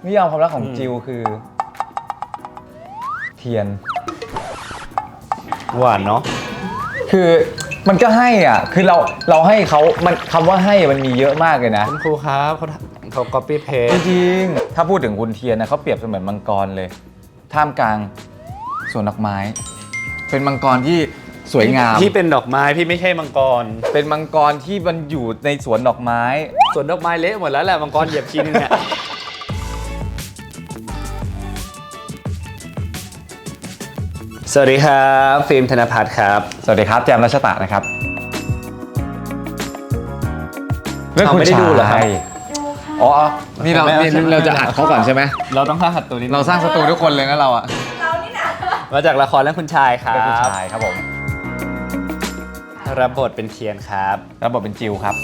นิยามความรักของจิวคือเทียนหวานเนาะคือมันก็ให้อ่ะคือเราให้เขามันคำว่าให้มันมีเยอะมากเลยนะคุณครูครับเขา copy จ paste ริงๆถ้าพูดถึงคุณเทียนนะเขาเปรียบเสมือนมังกรเลยท่ามกลางสวนดอกไม้เป็นมังกรที่สวยงามพี่เป็นดอกไม้พี่ไม่ใช่มังกรเป็นมังกรที่มันอยู่ในสวนดอกไม้สวนดอกไม้เละหมดแล้วแหละมังกรเหยียบชิ้นเนี่ยสวัสดีครับฟิล์มธนภัทรครับสวัสดีครับแจมรัชตะนะครับเรื่องคุณไม่ได้ดูเหรอครับอ๋อนี่เราจะอัดเขาก่อนใช่ไหมเราต้องสร้างศัตรูนี้เราสร้างศัตรูทุกคนเลยนะเราอะเรานี่นะมาจากละครเรื่องคุณชายครับคุณชายครับผมรับบทเป็นเทียนครับรับบทเป็นจิวครับ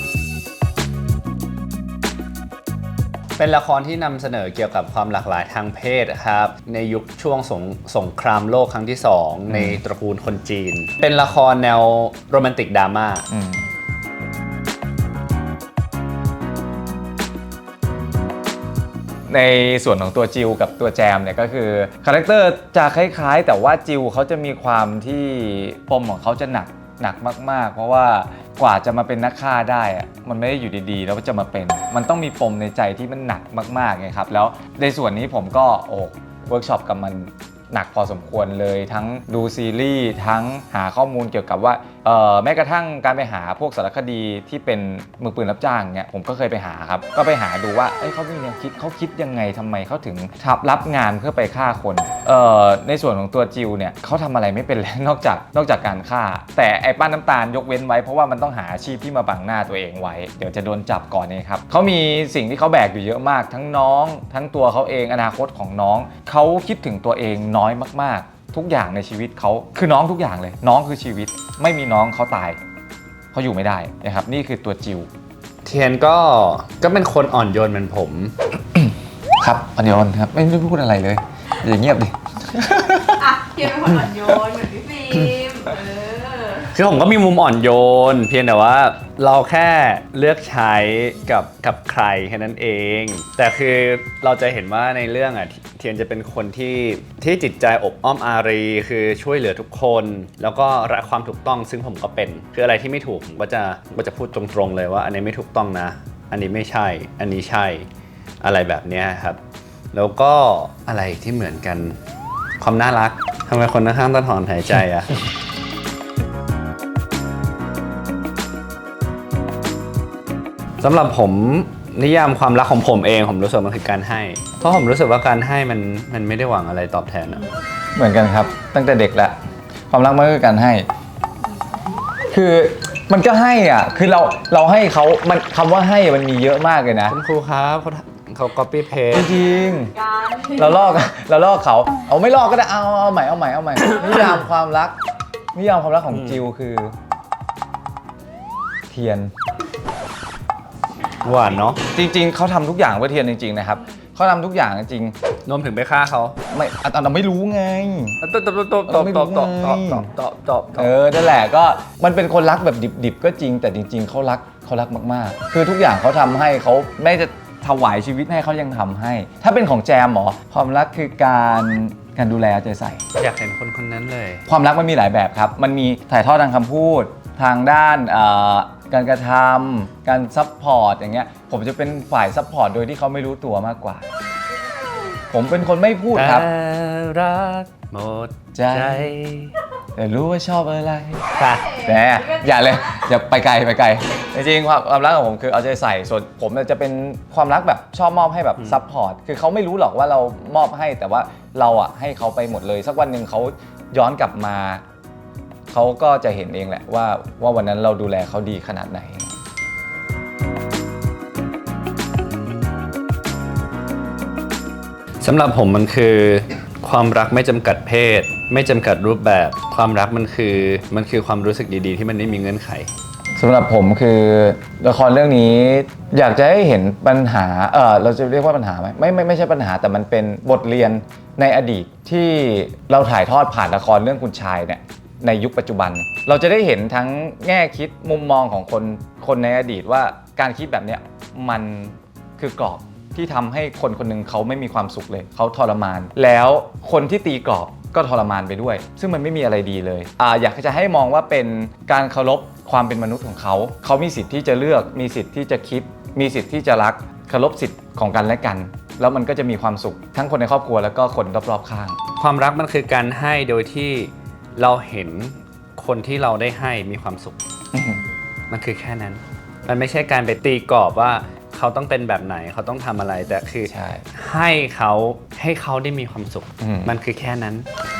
เป็นละครที่นำเสนอเกี่ยวกับความหลากหลายทางเพศครับในยุคช่วงสงครามโลกครั้งที่2ในตระกูลคนจีนเป็นละครแนวโรแมนติกดราม่าในส่วนของตัวจิวกับตัวแจมเนี่ยก็คือคาแรคเตอร์จะคล้ายๆแต่ว่าจิวเขาจะมีความที่ปมของเขาจะหนักมากๆเพราะว่ากว่าจะมาเป็นนักฆ่าได้อะมันไม่ได้อยู่ดีๆแล้วจะมาเป็นมันต้องมีปมในใจที่มันหนักมากๆไงครับแล้วในส่วนนี้ผมก็เวิร์กช็อปกับมันหนักพอสมควรเลยทั้งดูซีรีส์ทั้งหาข้อมูลเกี่ยวกับว่าแม้กระทั่งการไปหาพวกสารคดีที่เป็นมือปืนรับจ้างเนี่ยผมก็เคยไปหาครับก็ไปหาดูว่าเขามีแนวคิดเขาคิดยังไงทำไมเขาถึงรับงานเพื่อไปฆ่าคนในส่วนของตัวจิวเนี่ยเขาทำอะไรไม่เป็นเลยนอกจากการฆ่าแต่ไอ้ป้าน้ำตาลยกเว้นไว้เพราะว่ามันต้องหาอาชีพที่มาบังหน้าตัวเองไว้เดี๋ยวจะโดนจับก่อนนี่ครับเขามีสิ่งที่เขาแบกอยู่เยอะมากทั้งน้องทั้งตัวเขาเองอนาคตของน้องเขาคิดถึงตัวเองน้อยมากๆทุกอย่างในชีวิตเขาคือน้องทุกอย่างเลยน้องคือชีวิตไม่มีน้องเขาตายเขาอยู่ไม่ได้นะครับนี่คือตัวจิวเทียนก็เป็นคนอ่อนโยนเหมือนผมครับอ่อนโยนครับไม่ได้พูดอะไรเลยอย่าเงียบดิอ่ะเทียนเป็นคนอ่อนโยนเหมือนพี่ฟิล์มคือผมก็มีมุมอ่อนโยนเพียงแต่ว่าเราแค่เลือกใช้กับใครแค่นั้นเองแต่คือเราจะเห็นว่าในเรื่องอ่ะเทียนจะเป็นคนที่จิตใจอบอ้อมอารีคือช่วยเหลือทุกคนแล้วก็รักความถูกต้องซึ่งผมก็เป็นคืออะไรที่ไม่ถูกผมก็จะพูดตรงๆเลยว่าอันนี้ไม่ถูกต้องนะอันนี้ไม่ใช่อันนี้ใช่อะไรแบบนี้ครับแล้วก็อะไรที่เหมือนกันความน่ารักทำไมคนข้างๆต้องถอนหายใจอ่ะสำหรับผมนิยามความรักของผมเองผมรู้สึกมันคือการให้เพราะผมรู้สึกว่าการให้มันไม่ได้หวังอะไรตอบแทนอะเหมือนกันครับตั้งแต่เด็กแล้วความรักมันก็คือการให้คือมันก็ให้อ่ะคือเราให้เขามันคำว่าให้มันมีเยอะมากเลยนะคุณครูครับเขา copy paste จริงเราลอกเขาเอาไม่ลอกก็ได้เอาใหม่นิยามความรักของจิวคือเทียนหวานเนาะจริงๆเขาทำทุกอย่างเพื่อเทียนจริงๆนะครับเขาทำทุกอย่างจริงรวมถึงไปฆ่าเขาไม่เราไม่รู้ไงตอบนั่นแหละก็มันเป็นคนรักแบบดิบๆก็จริงแต่จริงๆเขารักมากๆคือทุกอย่างเขาทำให้เขาไม่จะถวายชีวิตให้เขายังทำให้ถ้าเป็นของแจมหรอความรักคือการดูแลใจใส่อยากเห็นคนนั้นเลยความรักมันมีหลายแบบครับมันมีถ่ายทอดทางคำพูดทางด้านการกระทำการซัพพอร์ตอย่างเงี้ยผมจะเป็นฝ่ายซัพพอร์ตโดยที่เขาไม่รู้ตัวมากกว่าผมเป็นคนไม่พูดครับรักหมดใจแต่รู้ว่าชอบอะไรแต่อย่าเลยอย่าไปไกลจริงๆความรักของผมคือเอาใจใส่ส่วนผมจะเป็นความรักแบบชอบมอบให้แบบซัพพอร์ตคือเขาไม่รู้หรอกว่าเรามอบให้แต่ว่าเราอ่ะให้เขาไปหมดเลยสักวันหนึ่งเขาย้อนกลับมาเขาก็จะเห็นเองแหละว่าวันนั้นเราดูแลเขาดีขนาดไหนสำหรับผมมันคือความรักไม่จำกัดเพศไม่จำกัดรูปแบบความรักมันคือความรู้สึกดีๆที่มันไม่มีเงื่อนไขสำหรับผมคือละครเรื่องนี้อยากจะให้เห็นปัญหาเราจะเรียกว่าปัญหาไหมไม่ใช่ปัญหาแต่มันเป็นบทเรียนในอดีตที่เราถ่ายทอดผ่านละครเรื่องคุณชายเนี่ยในยุคปัจจุบันเราจะได้เห็นทั้งแง่คิดมุมมองของคนในอดีตว่าการคิดแบบนี้มันคือกรอบที่ทำให้คนคนหนึงเขาไม่มีความสุขเลยเขาทรมาน แล้วคนที่ตีกรอบก็ทรมานไปด้วย ซึ่งมันไม่มีอะไรดีเลยอยากจะให้มองว่าเป็นการเคารพความเป็นมนุษย์ของเขาเขามีสิทธิ์ที่จะเลือกมีสิทธิ์ที่จะคิดมีสิทธิ์ที่จะรักเคารพสิทธิ์ของกันและกัน แล้วมันก็จะมีความสุขทั้งคนในครอบครัวแล้วก็คนรอบๆข้างความรักมันคือการให้โดยที่เราเห็นคนที่เราได้ให้มีความสุข มันคือแค่นั้น มันไม่ใช่การไปตีกรอบว่าเขาต้องเป็นแบบไหนเขาต้องทำอะไรแต่คือใช่ให้เขาได้มีความสุข มันคือแค่นั้น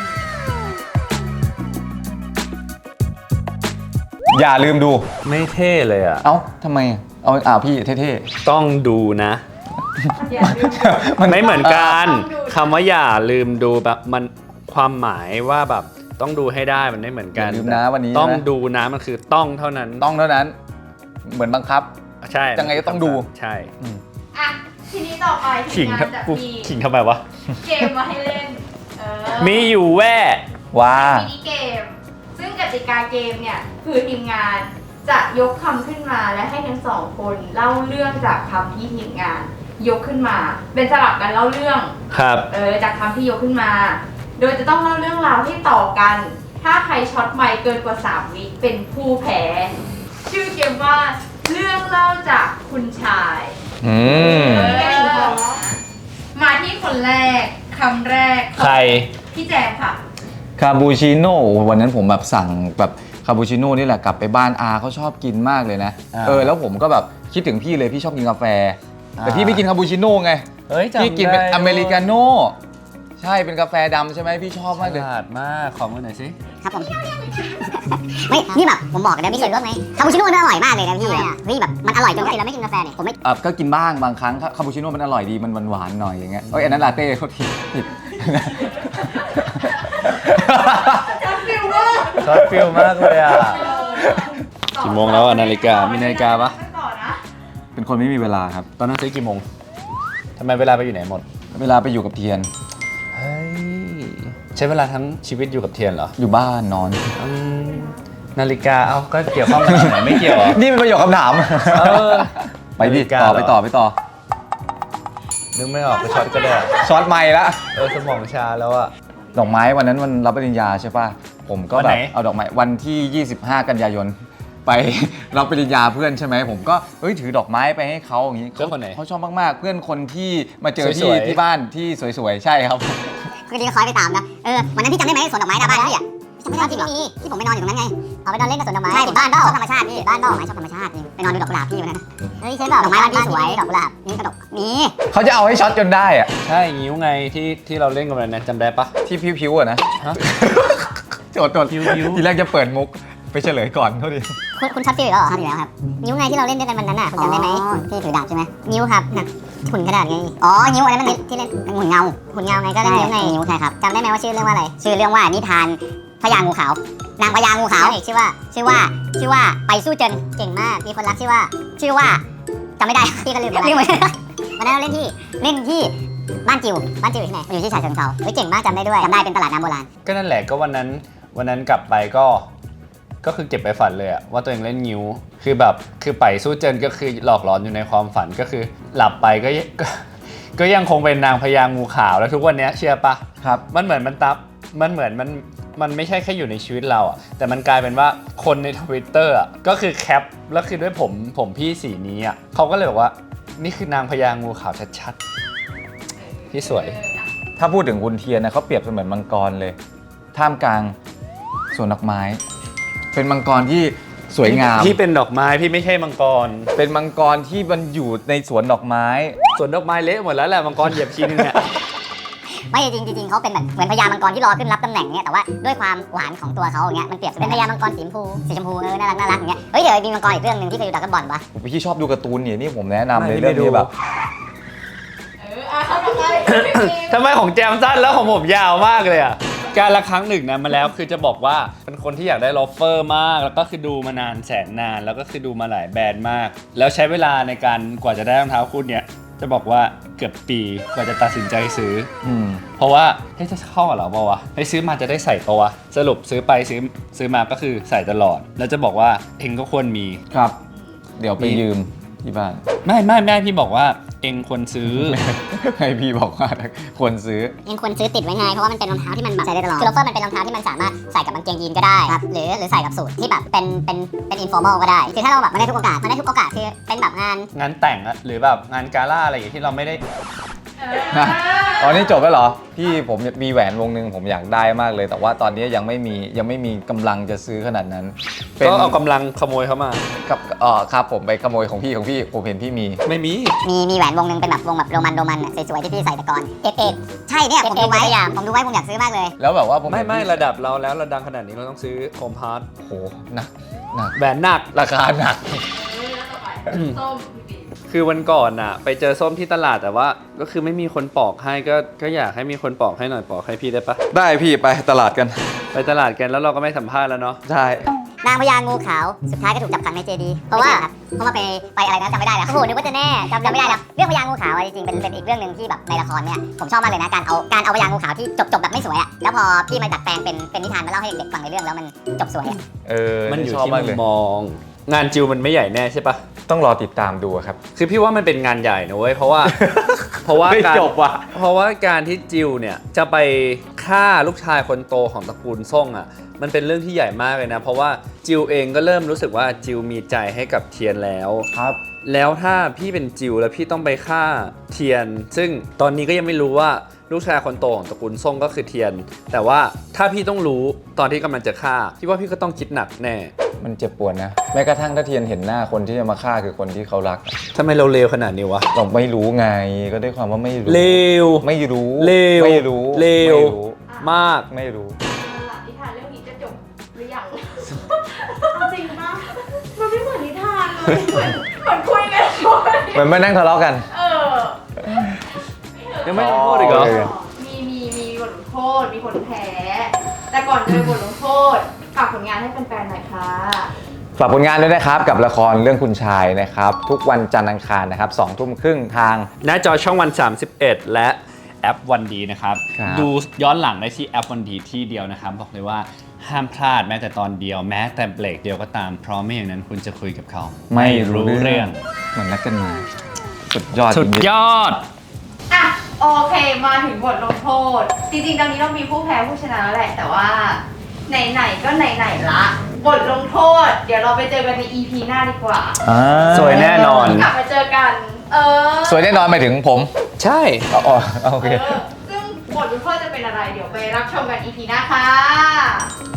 อย่าลืมดูไม่เท่เลยอ่ะเอ้าทำไมเอาพี่เท่ต้องดูนะอย่าลืมๆมันไม่เหมือนกันต้องดูคำว่าอย่าลืมดูแบบมันความหมายว่าแบบต้องดูให้ได้มันไม่เหมือนกันอย่าลืมนะวันนี้ต้องนะดูนะมันคือต้องเท่านั้นต้องเท่านั้นเหมือนบังคับใช่ยังไงก็ต้องดูใช่อ่ะทีนี้ต่อไปทีขิมงงานจะกูมีขิงทำไมวะเกมมาให้เล่นเมีอยู่แว่ว่ามินิเกม ซึ่งกติกาเกมเนี่ยคือทีมงานจะยกคำขึ้นมาและให้ทั้งสองคนเล่าเรื่องจากคำที่ทีมงาน ยกขึ้นมา เป็นสลับกันเล่าเรื่องครับจากคำที่ยกขึ้นมา โดยจะต้องเล่าเรื่องราวให้ต่อกัน ถ้าใครช็อตไมค์เกินกว่า3วิเป็นผู้แพ้ ชื่อเกมว่าเรื่องเล่าจากคุณชาย มาที่คนแรกคำแรกใครพี่แจมค่ะคาปูชิโน่วันนั้นผมแบบสั่งแบบคาปูชิโน่นี่แหละกลับไปบ้านอาเขาชอบกินมากเลยนะ แล้วผมก็แบบคิดถึงพี่เลยพี่ชอบกินกาแฟ แต่พี่ไม่กินคาปูชิโน่ไงเฮ้ยจำได้พี่กินเป็นอเมริกาโน่ใช่เป็นกาแฟดำใช่ไหมพี่ชอบมากเลยฉลาดมากขอมือหน่อยสิครับผม ไม่นี่แบบผมบอกเลยนะพี่เฉยว่าไหมคาปูชิโน่มันอร่อยมากเลยนะพี่เฮ้ยแบบมันอร่อยจนปกติเราไม่กินกาแฟเนี่ยผมไม่ก็กินบ้างบางครั้งคาปูชิโน่มันอร่อยดีมันหวานๆหน่อยอย่างเงี้ยอันนั้นลาเต้เขาผิดจับฟิลเวอร์ช็อตฟิลมากเลยอ่ะ กี่โมงแล้วอะนาฬิกามีนาฬิกาปะต่อนะเป็นคนไม่มีเวลาครับตอนนั้นซื้อกี่โมงทำไมเวลาไปอยู่ไหนหมดเวลาไปอยู่กับเทียนเฮ้ย ใช้เวลาทั้งชีวิตอยู่กับเทียนเหรออยู่บ้านนอนอืมนาฬิกาเอาก็เกี่ยวข้องกันไหนไม่เกี่ยวเหรอนี่เป็นประโยคคำถามเออไปดินาฬิกาต่อเหรอไปต่อนึกไม่ออกไปช็อตก็ได้ช็อตไม่ละสมองชาแล้วอะดอกไม้วันนั้นวันรับปริญญาใช่ป่ะผมก็วันแบไหนบเอาดอกไม้วันที่ 25 กันยายน ไป รับปริญญาเพื่อนใช่ไหมผมก็ถือดอกไม้ไปให้เขาอย่างนี้เพื่อนคนไหนเขาชอบมากๆ เพื่อนคนที่มาเจอสวยๆที่บ้านที่สวยๆใช่ครับคือดีก็คอยไปตามนะวันนั้นพี่จำได้ไหมสวนดอกไม้หน้าบ้านพี่อ่ะจำไม่ได้จริงมีที่ผมไปนอนอยู่ตรงนั้นไงเอาไปนอนเล่นกับสวนดอกไม้ใช่บ้านเปล่าชอบธรรมชาติพี่บ้านเปล่าชอบธรรมชาติไปนอนดูดอกกุหลาบพี่วันนั้นเฮ้ยใช่เปล่าดอกไม้บ้านพี่สวยดอกกุหลาบนี่กระดกมีเขาจะเอาให้ช็อตจนได้อะใช่งิ้วไงที่เราเล่นกันวันนั้นจำได้ปะที่พิวๆอะนะฮะโจทย์พิวๆทีแรกจะเปิดมุกไปเฉลยก่อนเท่านี้คุณช็อตฟิลอีกแล้วเหรอช็อตอีกแล้วครับนิ้วไงที่เราเล่นด้วยกันวันนั้นน่ะคุณจำได้ไหมที่ถือดาบใช่ไหมนิ้วครับน่ะหุ่นกระดาษไงอ๋อนิ้วอันนั้นมันที่เล่นหุ่นเงาไงก็เล่นนิ้วไงนิ้วใช่ครับจำได้ไหมว่าชื่อเรื่องว่าอะไรชื่อเรื่องว่านิทานพญางูขาวนางพญางูขาวชื่อว่าไปสู้เจนเก่งมากมีคนรักชื่อว่าจำไม่ได้ พี่ก็ลืมไปวันนั้นเราเล่นที่บ้านจิวอยู่ที่ไหนอยู่ที่ฉะเชิงเทราเฮ้ยเก่งมากจำได้ด้วยจำได้เป็นตลาดน้ำโบราณก็นั่นแหละก็วันนั้นกลับไปก็คือเก็บไปฝันเลยอะว่าตัวเองเล่นงิ้วคือไปสู้เจนก็คือหลอกหลอนอยู่ในความฝันก็คือหลับไปก็ยังคงเป็นนางพญางูขาวแล้วทุกวันนี้เชื่อปะครับมันเหมือนมันไม่ใช่แค่อยู่ในชีวิตเราอะแต่มันกลายเป็นว่าคนใน Twitter อะก็คือแคปแล้วคือด้วยผมพี่สีนี้อะเขาก็เลยบอกว่านี่คือนางพญางูขาวชัดๆพี่สวยถ้าพูดถึงคุณเทียนนะเขาเปรียบเสมือนมังกรเลย ท่ามกลางสวนดอกไม้ เป็นมังกรที่สวยงามพี่เป็นดอกไม้พี่ไม่ใช่มังกรเป็นมังกรที่มันอยู่ในสวนดอกไม้สวนดอกไม้เละหมดแล้วแหละมังกรเหยียบทีนึงเนี่ยไม่จริงเขาเป็นแบบเหมือนพญามังกรที่รอขึ้นรับตำแหน่งเนี่ยแต่ว่าด้วยความหวานของตัวเขาอย่างเงี้ยมันเปรียบเป็นพญามังกรสีชมพูน่ารักอย่างเงี้ยเฮ้ยเดี๋ยวมีมังกรอีกเรื่องนึงที่เคยดูดราก้อนบอลปะพี่ชอบดูการ์ตูนนี่ผมแนะนำเลยไม่เรื่องดูนี้แบบเข้าต่อไปทำไมของแจมสั้นแล้วของผมยาวมากเลยอ่ะ การละครั้งหนึ่งนะมาแล้วคือจะบอกว่าเป็นคนที่อยากได้ลอฟเฟอร์มาก แล้วก็คือดูมานานแสนนาน แล้วก็คือดูมาหลายแบรนด์มาก แล้วใช้เวลาในการกว่าจะได้รองเท้าคู่เนี่ยจะบอกว่าเกือบปีกว่าจะตัดสินใจซื้อ เพราะว่าเฮ้ยจะเข้ากับเราเปล่าวะให้ซื้อมาจะได้ใส่เปล่าวะสรุปซื้อไปซื้อมาก็คือใส่ตลอด แล้วจะบอกว่าเองก็ควรมีครับ เดี๋ยวไปยืมที่บ้านไม่พี่บอกว่าเองควรซื้อให้พี่บอกว่าควรซื้อยังควรซื้อติดไว้ไงเพราะว่ามันเป็นรองเท้าที่มันแบบใส่ได้ตลอดคือโลเฟอร์มันเป็นรองเท้าที่มันสามารถใส่กับกางเกงยีนก็ได้ครับหรือใส่กับสูทที่แบบเป็นอินฟอร์มอลก็ได้คือถ้าเราแบบมาได้ทุกโอกาสคือเป็นแบบงานงานแต่งอะหรือแบบงานกาล่าอะไรอย่างเงี้ยที่เราไม่ได้อ๋อนี่จบแล้วเหรอ พี่ผมมีแหวนวงหนึ่งผมอยากได้มากเลย แต่ว่าตอนนี้ยังไม่มีกำลังจะซื้อขนาดนั้นก็เอากำลังขโมยเข้ามากับครับผมไปขโมยของพี่ผมเห็นพี่มีไม่มีมีแหวนวงหนึงเป็นแบบวงแบบโรมันอะสวยๆที่พี่ใส่แต่ก่อนเอกใช่เนี่ยผมดูไว้ผมอยากซื้อมากเลยแล้วแบบว่าผมเห็นไม่พี่ระดับเราแล้วเราดังขนาดนี้เราต้องซื้อโฮมพาร์ทโหหนักแหวนหนักราคาหนักแล้วต่อไปส้มพี่บีคือวันก่อนน่ะไปเจอส้มที่ตลาดแต่ว่าก็คือไม่มีคนปอกให้ก็อยากให้มีคนปอกให้หน่อยปอกให้พี่ได้ปะได้พี่ไปตลาดกันไปตลาดกันแล้วเราก็ไม่สัมภาษณ์แล้วเนาะใช่นางพญางูขาวสุดท้ายก็ถูกจับขังในเจดีย์เพราะว่าไปอะไรนะจำไม่ได้แล้วโอ้โหนึกว่าจะแน่จำไม่ได้แล้วเรื่องพญางูขาวอะจริงๆเป็นอีกเรื่องหนึ่งที่แบบในละครเนี่ยผมชอบมากเลยนะการเอาพญางูขาวที่จบแบบไม่สวยอะแล้วพอพี่มาดัดแปลงเป็นนิทานมาเล่าให้เด็กๆฟังในเรื่องแล้วมันจบสวยอะมันอยู่ชอบที่มามุกเลยมมอง งานจิวมันไม่ใหญ่แน่ใช่ปะต้องรอติดตามดูครับคือพี่ว่ามันเป็นงานใหญ่นะเว้ยเพราะว่าไม่การจบว่ะเพราะว่าการที่จิวเนี่ยจะไปฆ่าลูกชายคนโตของตระกูลซ่งอ่ะมันเป็นเรื่องที่ใหญ่มากเลยนะเพราะว่าจิวเองก็เริ่มรู้สึกว่าจิวมีใจให้กับเทียนแล้วครับแล้วถ้าพี่เป็นจิวแล้วพี่ต้องไปฆ่าเทียน ซึ่งตอนนี้ก็ยังไม่รู้ว่าลูกชายคนโตของตระกูลซ่งก็คือเทียน แต่ว่าถ้าพี่ต้องรู้ตอนที่กำลังจะฆ่าพี่ว่าพี่ก็ต้องคิดหนักแน่มันเจ็บปวดนะ แม้กระทั่งถ้าเทียนเห็นหน้าคนที่จะมาฆ่าคือคนที่เขารักทำไมเราเลวขนาดนี้วะเราไม่รู้ไงก็ด้วยความว่าไม่รู้เลวไม่รู้เลวไม่รู้เลวไม่รู้มากไม่รู้เอาล่ะนิทานเรื่องนี้จะจบหรือยังเอาจริงปะมันไม่เหมือนนิทานเลยเหมือนคุยกันเลยเหมือนมานั่งทะเลาะกันเออยังไม่ลงโทษอีกเหรอโอเคมีบทลงโทษมีคนแพ้ แต่ก่อนจะไปบทลงโทษฝากผลงานให้แฟนๆหน่อยค่ะฝากผลงานด้วยนะครับกับละครเรื่องคุณชายนะครับ ทุกวันจันทร์อังคารนะครับ20:30ทางหน้าจอช่องวัน 31 และแอปวันดีนะครับครับดูย้อนหลังได้ที่แอปวันดีที่เดียวนะครับ บอกเลยว่าห้ามพลาดแม้แต่ตอนเดียวแม้แต่เบรกเดียวก็ตาม เพราะไม่อย่างนั้นคุณจะคุยกับเขาเหมือนนักกันมาสุดยอดสุดจริงยอดอ่ะโอเคมาถึงบทลงโทษ จริงๆตอนนี้เรามีผู้แพ้ผู้ชนะแล้วแหละ แต่ว่าไหนๆก็ไหนๆละบทลงโทษ เดี๋ยวเราไปเจอกันใน EP หน้าดีกว่าๆอ่าสวยแน่นอนกลับมาเจอกันสวยแน่นอนหมายถึงผมใช่อ๋อโอเคซึ่งบทลงโทษจะเป็นอะไร เดี๋ยวไปรับชมกัน EP หน้าค่ะ